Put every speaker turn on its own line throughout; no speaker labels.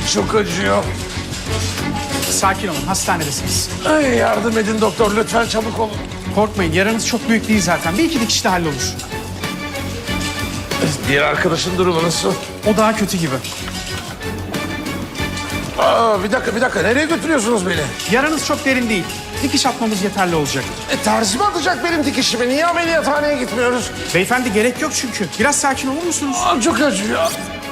çok acıyor.
Sakin olun, hastanedesiniz.
Ay, yardım edin doktor, lütfen çabuk olun.
Korkmayın, yaranız çok büyük değil zaten. Bir iki dikişte hallolur.
Diğer arkadaşın durumu nasıl?
O daha kötü gibi.
Aa, bir dakika, nereye götürüyorsunuz beni?
Yaranız çok derin değil. Dikiş atmamız yeterli olacak.
Terzi mi atacak benim dikişimi? Niye ameliyathaneye gitmiyoruz?
Beyefendi gerek yok çünkü. Biraz sakin olur musunuz?
Aa, çok acıyor.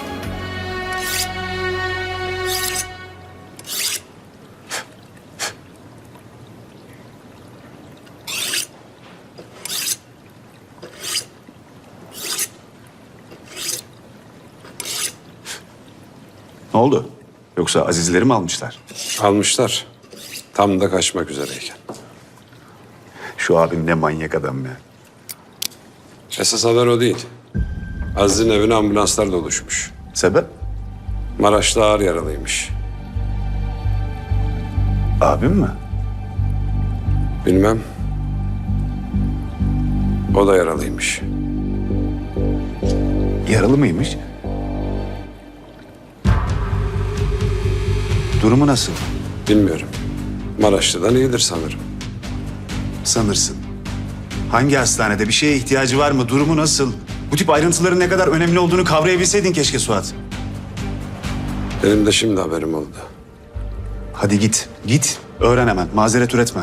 Ne oldu? Yoksa Azizleri mi almışlar?
Almışlar. Tam da kaçmak üzereyken.
Şu abin ne manyak adam ya.
Esas haber o değil. Aziz'in evine ambulanslar doluşmuş.
Sebep?
Maraş'ta ağır yaralıymış.
Abim mi?
Bilmem. O da yaralıymış.
Yaralı mıymış? Durumu nasıl?
Bilmiyorum. Maraşlı'dan iyidir sanırım.
Sanırsın. Hangi hastanede? Bir şeye ihtiyacı var mı? Durumu nasıl? Bu tip ayrıntıların ne kadar önemli olduğunu kavrayabilseydin keşke Suat.
Benim de şimdi haberim oldu.
Hadi git. Git. Öğren hemen. Mazeret üretme.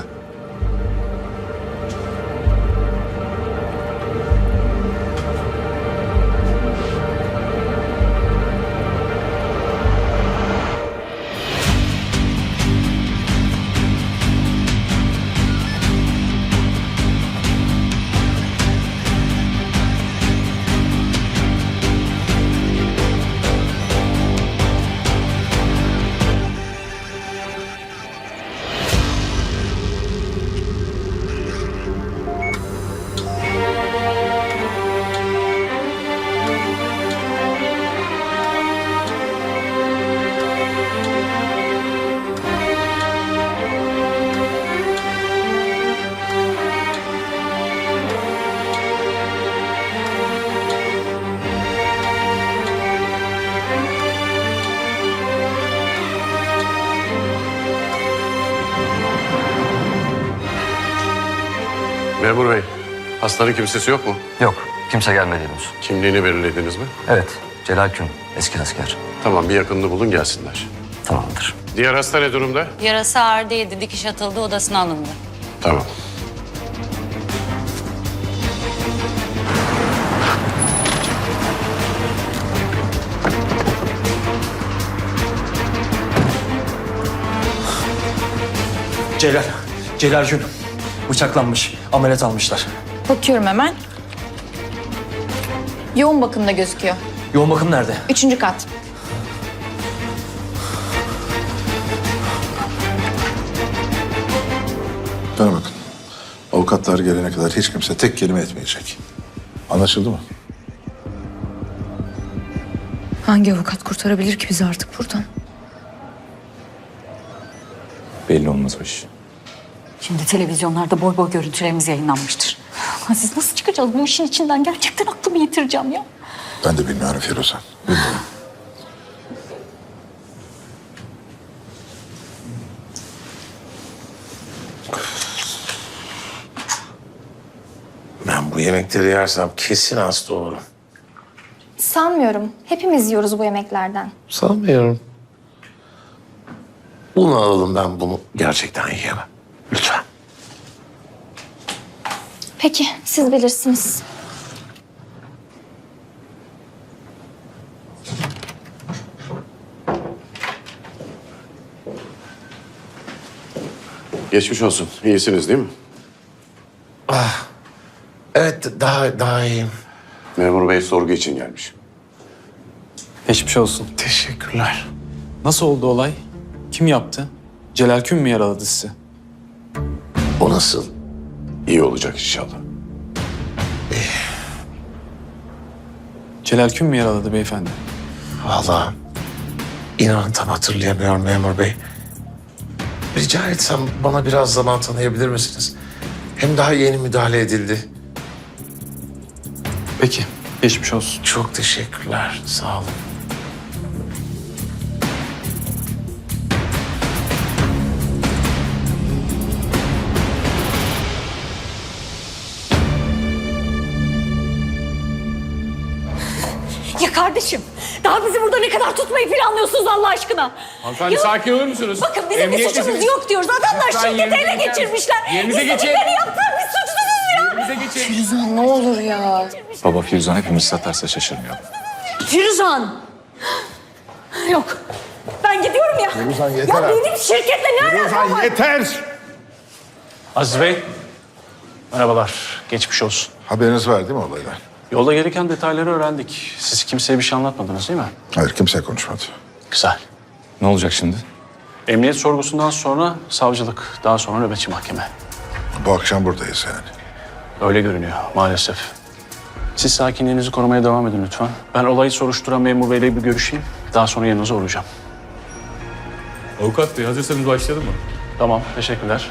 Memur bey, hastanın kimsesi yok mu?
Yok, kimse gelmedi henüz.
Kimliğini belirlediniz mi?
Evet, Celal Kün, eski asker.
Tamam, bir yakınını bulun gelsinler.
Tamamdır.
Diğer hasta ne durumda?
Yarası ağır değildi. Dikiş atıldı, odasına alındı.
Tamam.
Celal Gün. Bıçaklanmış. Ameliyat almışlar.
Bakıyorum hemen. Yoğun bakımda gözüküyor.
Yoğun bakım nerede?
3. kat.
Bana bakın. Avukatlar gelene kadar hiç kimse tek kelime etmeyecek. Anlaşıldı mı?
Hangi avukat kurtarabilir ki bizi artık buradan?
Belli olmaz o iş.
Şimdi televizyonlarda boy boy görüntülerimiz yayınlanmıştır. Siz nasıl çıkacağız bu işin içinden? Gerçekten aklımı yitireceğim ya.
Ben de bilmiyorum Firuze. Bilmiyorum.
Ben bu yemekleri yersem kesin hasta olurum.
Sanmıyorum. Hepimiz yiyoruz bu yemeklerden.
Sanmıyorum. Bunu alalım, ben bunu gerçekten yiyemem. Lütfen.
Peki, siz bilirsiniz.
Geçmiş olsun. İyisiniz değil mi?
Evet, daha iyiyim.
Memur bey sorgu için gelmiş.
Geçmiş olsun.
Teşekkürler.
Nasıl oldu olay? Kim yaptı? Celal Kün mü yaraladı sizi?
O nasıl?
İyi olacak inşallah.
Celal Kün mü yaraladı beyefendi?
Vallahi inanın tam hatırlayamıyorum memur bey. Rica etsem bana biraz zaman tanıyabilir misiniz? Hem daha yeni müdahale edildi.
Peki, geçmiş olsun.
Çok teşekkürler. Sağ olun.
kardeşim. Daha bizi burada ne kadar tutmayı planlıyorsunuz Allah aşkına?
Hanımefendi sakin olur musunuz?
Bakın bizim bir suçumuz yok diyoruz. Adamlar
Lütfen
şirketi
yerinize
ele
geçer
geçirmişler.
Yerinize
Biz
geçin.
dedikleri yaptılar. Biz suçsuzuz ya.
Yerinize geçin.
Firuzan ne olur ya.
Baba Firuzan hepimiz satarsa şaşırmıyor.
Firuzan. Yok. Ben gidiyorum ya.
Firuzan yeter
Ya
artık.
benim şirketle ne alakam var?
Yeter!
Aziz Bey, merhabalar. Geçmiş olsun.
Haberiniz var değil mi olaydan?
Yolda gereken detayları öğrendik. Siz kimseye bir şey anlatmadınız değil mi?
Hayır, kimse konuşmadı.
Güzel.
Ne olacak şimdi?
Emniyet sorgusundan sonra savcılık, daha sonra nöbetçi mahkeme.
Bu akşam buradayız yani.
Öyle görünüyor maalesef. Siz sakinliğinizi korumaya devam edin lütfen. Ben olayı soruşturan memur beyle bir görüşeyim. Daha sonra yanınıza uğrayacağım.
Avukat bey hazırsanız başlayalım mı?
Tamam, teşekkürler.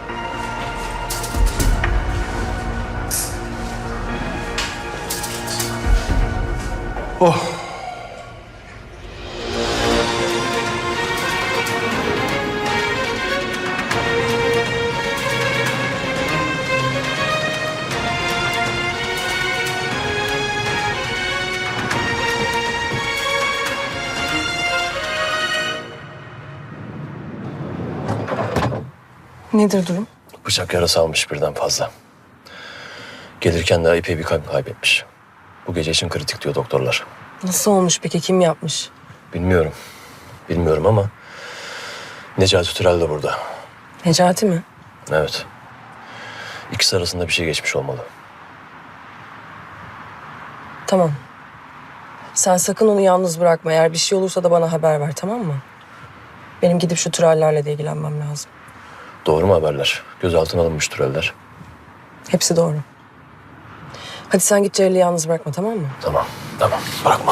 Nedir durum?
Bıçak yarası almış birden fazla. Gelirken de epey bir kan kaybetmiş. Bu gece için kritik diyor doktorlar.
Nasıl olmuş peki? Kim yapmış?
Bilmiyorum. Bilmiyorum ama Necati Türel de burada.
Necati mi?
Evet. İkisi arasında bir şey geçmiş olmalı.
Tamam. Sen sakın onu yalnız bırakma. Eğer bir şey olursa da bana haber ver, tamam mı? Benim gidip şu Türellerle de ilgilenmem lazım.
Doğru mu haberler? Gözaltına alınmış Türeller.
Hepsi doğru. Hadi sen git Celal'i yalnız bırakma, tamam mı?
Tamam, tamam. Bırakmam.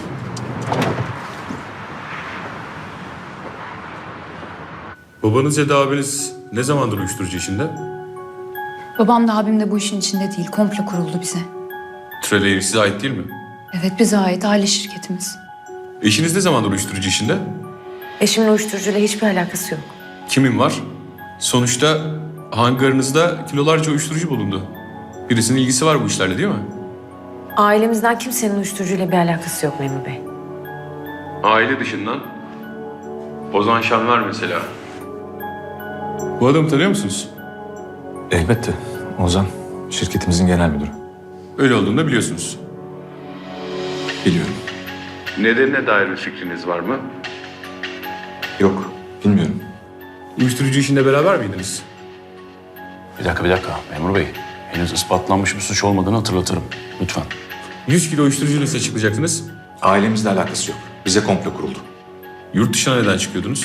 Babanız ya da abiniz ne zamandır uyuşturucu işinde?
Babam da abim de bu işin içinde değil. Komplo kuruldu bize.
Türel size ait değil mi?
Evet, bize ait aile şirketimiz.
Eşiniz ne zamandır uyuşturucu işinde?
Eşimin uyuşturucuyla hiçbir alakası yok.
Kimin var? Sonuçta hangarınızda kilolarca uyuşturucu bulundu. Birisinin ilgisi var bu işlerle değil mi?
Ailemizden kimsenin uyuşturucuyla bir alakası yok memur bey.
Aile dışından? Ozan Şanlar mesela. Bu adamı tanıyor musunuz?
Elbette. Ozan, şirketimizin genel müdürü.
Öyle olduğunu da biliyorsunuz.
Biliyorum.
Nedenine dair bir fikriniz var mı?
Yok, bilmiyorum.
Uyuşturucu işinde beraber miydiniz?
Bir dakika memur bey. Henüz ispatlanmış bir suç olmadığını hatırlatırım. Lütfen.
100 kilo uyuşturucu nasıl açıklayacaktınız?
Ailemizle alakası yok. Bize komplo kuruldu.
Yurt dışına neden çıkıyordunuz?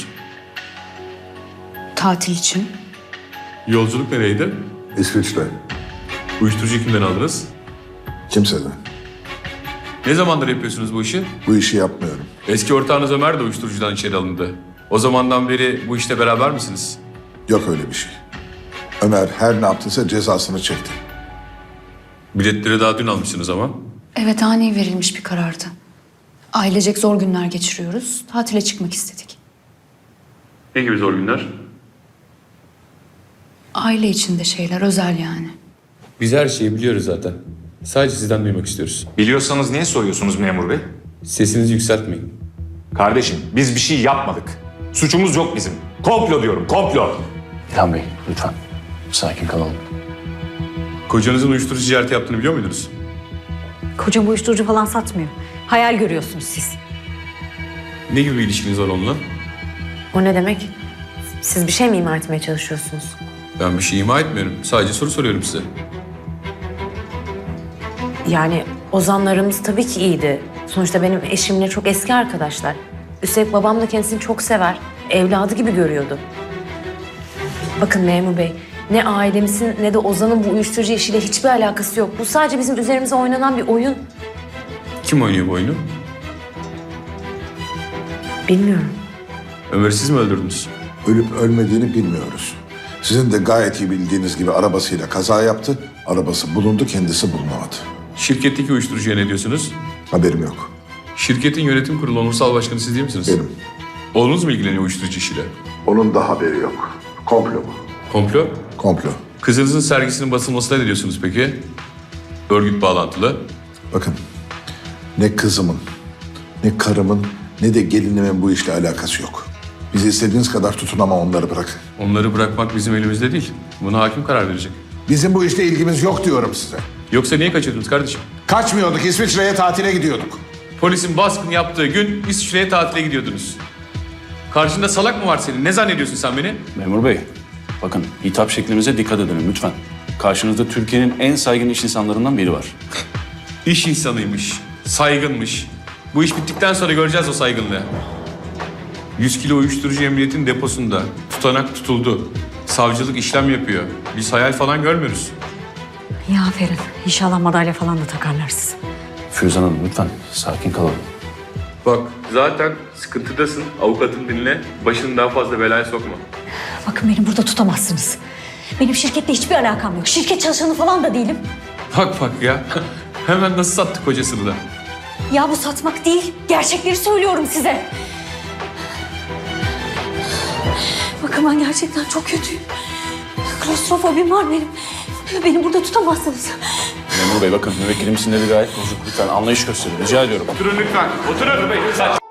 Tatil için.
Yolculuk nereydi?
İsviçre.
Uyuşturucu kimden aldınız?
Kimseden.
Ne zamandır yapıyorsunuz bu işi?
Bu işi yapmıyorum.
Eski ortağınız Ömer de uyuşturucudan içeri alındı. O zamandan beri bu işte beraber misiniz?
Yok öyle bir şey. Ömer her ne yaptıysa cezasını çekti.
Biletleri daha dün almışsınız ama.
Evet, ani verilmiş bir karardı. Ailecek zor günler geçiriyoruz. Tatile çıkmak istedik.
Ne gibi zor günler?
Aile içinde şeyler, özel yani.
Biz her şeyi biliyoruz zaten. Sadece sizden duymak istiyoruz.
Biliyorsanız niye soruyorsunuz memur bey?
Sesinizi yükseltmeyin.
Kardeşim biz bir şey yapmadık. Suçumuz yok bizim. Komplo diyorum, komplo.
İlhan Bey, lütfen. Sakin kalalım.
Kocanızın uyuşturucu ticareti yaptığını biliyor muydunuz?
Kocam uyuşturucu falan satmıyor. Hayal görüyorsunuz siz.
Ne gibi bir ilişkiniz var onunla?
O ne demek? Siz bir şey mi ima etmeye çalışıyorsunuz?
Ben bir şey ima etmiyorum. Sadece soru soruyorum size.
Yani Ozanlarımız tabii ki iyiydi. Sonuçta benim eşimle çok eski arkadaşlar. Üstelik babam da kendisini çok sever. Evladı gibi görüyordu. Bakın memur bey, ne ailemizin ne de Ozan'ın bu uyuşturucu işiyle hiçbir alakası yok. Bu sadece bizim üzerimize oynanan bir oyun.
Kim oynuyor bu oyunu?
Bilmiyorum.
Ömer'i siz mi öldürdünüz?
Ölüp ölmediğini bilmiyoruz. Sizin de gayet iyi bildiğiniz gibi arabasıyla kaza yaptı. Arabası bulundu, kendisi bulunamadı.
Şirketteki uyuşturucuya ne diyorsunuz?
Haberim yok.
Şirketin yönetim kurulu onursal başkanı siz değil misiniz?
Benim.
Oğlunuz mu ilgileniyor uyuşturucu işiyle?
Onun da haberi yok. Komplo bu.
Komplo?
Komplo.
Kızınızın sergisinin basılmasına ne diyorsunuz peki? Örgüt bağlantılı.
Bakın, ne kızımın Ne karımın ne de gelinimin bu işle alakası yok. Bizi istediğiniz kadar tutun ama onları bırakın.
Onları bırakmak bizim elimizde değil. Buna hakim karar verecek.
Bizim bu işte ilgimiz yok diyorum size.
Yoksa niye kaçırdınız kardeşim?
Kaçmıyorduk, İsviçre'ye tatile gidiyorduk.
Polisin baskın yaptığı gün İsviçre'ye tatile gidiyordunuz. Karşında salak mı var senin? Ne zannediyorsun sen beni?
Memur bey, bakın hitap şeklimize dikkat edin lütfen. Karşınızda Türkiye'nin en saygın iş insanlarından biri var.
İş insanıymış, saygınmış. Bu iş bittikten sonra göreceğiz o saygınlığı. 100 kilo uyuşturucu emniyetin deposunda. Tutanak tutuldu. Savcılık işlem yapıyor. Biz hayal falan görmüyoruz.
Ya aferin. İnşallah madalya falan da takarlar size.
Füzan Hanım lütfen sakin kalalım.
Bak zaten sıkıntıdasın. Avukatın dinle. Başını daha fazla belaya sokma.
Bakın beni burada tutamazsınız. Benim şirketle hiçbir alakam yok. Şirket çalışanı falan da değilim.
Bak ya. Hemen nasıl sattık kocasını da.
Ya bu satmak değil. Gerçekleri söylüyorum size. Bakın ben gerçekten çok kötüyüm. Klostrofobim var benim. Beni burada tutamazsınız.
Memur bey bakın müvekkilim sinirleri gayet bozuk. Lütfen anlayış gösterin rica ediyorum.
Oturun lütfen. Oturun.